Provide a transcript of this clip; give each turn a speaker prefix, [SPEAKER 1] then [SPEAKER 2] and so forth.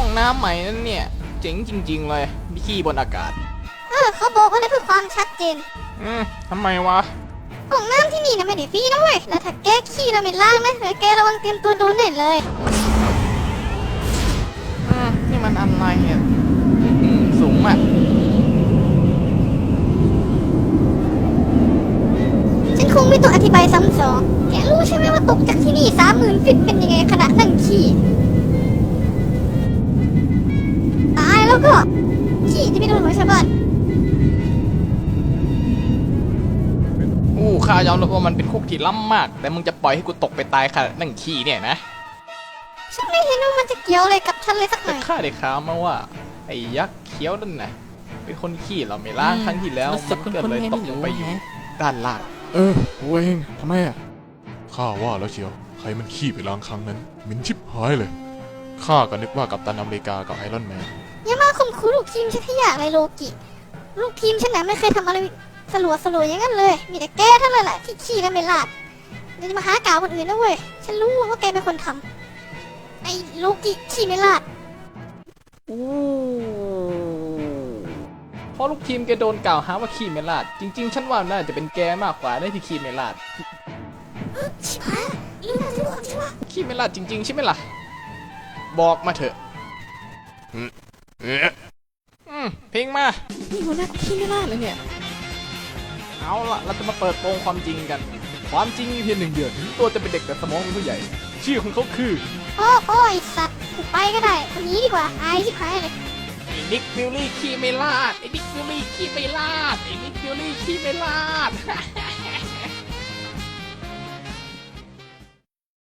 [SPEAKER 1] น้ำใหม่นั่นเนี่ยเจ๋งจริงๆเลยมีขี้บนอากาศ
[SPEAKER 2] เขาบอกว่าเพื่อความชัดเจน
[SPEAKER 1] ทำไมวะ
[SPEAKER 2] ห้องน้ำที่นี่นะไม่ได้ฟรีนะเว้ยแล้วถ้าแกขี้เราไม่ล้างนะเดี๋ยวแกระวังเตรียมตัวโดนเน่เลย
[SPEAKER 1] นี่มันอะไรเนี่ยสูงอ่ะ
[SPEAKER 2] ฉันคงไม่ต้องอธิบายซ้ำสองแกรู้ใช่ไหมว่าตกจากที่นี่30,000 ฟิตเป็นยังไงขณะนั่งขี้ตายแล้วก็ขี้จะไม่โดนหัวชาวบ้าน
[SPEAKER 1] ข้ายอมรับว่ามันเป็นคุกที่ล้ำมากแต่มึงจะปล่อยให้กูตกไปตายขณะนั่งขี้เนี่ยนะ
[SPEAKER 2] ฉันไม่เห็นว่ามันจะเกี่ยวอะไรกับฉันเลยสักหน่อย
[SPEAKER 1] ข้าได้ข่าวมาว่าไอ้ยักษ์เขียวนั่นนะเป็นคนขี้เราไม่ล้างครั้งที่แล้วมันก็เลยตกลงไปอยู่ด้านล่าง
[SPEAKER 3] กูเองทำไมอ่ะข้าว่าแล้วเชียวใครมันขี้ไปล้างครั้งนั้นเหม็นชิบหายเลยข้าก็นึกว่ากัปตันอเมริกากับไอรอนแมน
[SPEAKER 2] อย่ามาข่มขู่ลูกทีมฉันขยะอะไรโลกิลูกทีมฉันน่ะไม่เคยทำอะไรสลัวอย่างนั้นเลยมีแต่แกเท่านั้นแหละที่ขี้แล้วไม่ลาดเดี๋ยวจะมาหากาวคนอื่นนะเว้ยฉันรู้ว่าแกเป็นคนทำไอ้โลกิขี้ไม่ลาด
[SPEAKER 1] เพราะลูกทีมแกโดนกล่าวหาว่าขี้ไม่ลาดจริงๆฉันว่าน่าจะเป็นแกมากกว่าได้ที่ขี้ไม่ลาด
[SPEAKER 2] ชิบหายลืมมาทุกคนใช่ไหม
[SPEAKER 1] ขี้ไม่ลาดจริงๆใช่ไหมล่ะบอกมาเถอะเพลงมานี่หัวหน้าขี้ไม่ลาดเลยเนี่ยเอาล่ะเราจะมาเปิดโปงความจริงกันความจริงมีเพียง1 เดือนตัวจะเป็นเด็กแต่สมองเป็นผู้ใหญ่ชื่อของเขาคือ
[SPEAKER 2] โอ้ยสัตว์กูไปก็ได้คนนี้ดีกว่าอายชิบหายเลย
[SPEAKER 1] ไอ้นิกฟิลลี่ขี้ไม่ลาดไอ้นิกฟิลลี่ขี้ไม่ลาดไอ้นิกฟิลลี่ขี้ไม่ลาด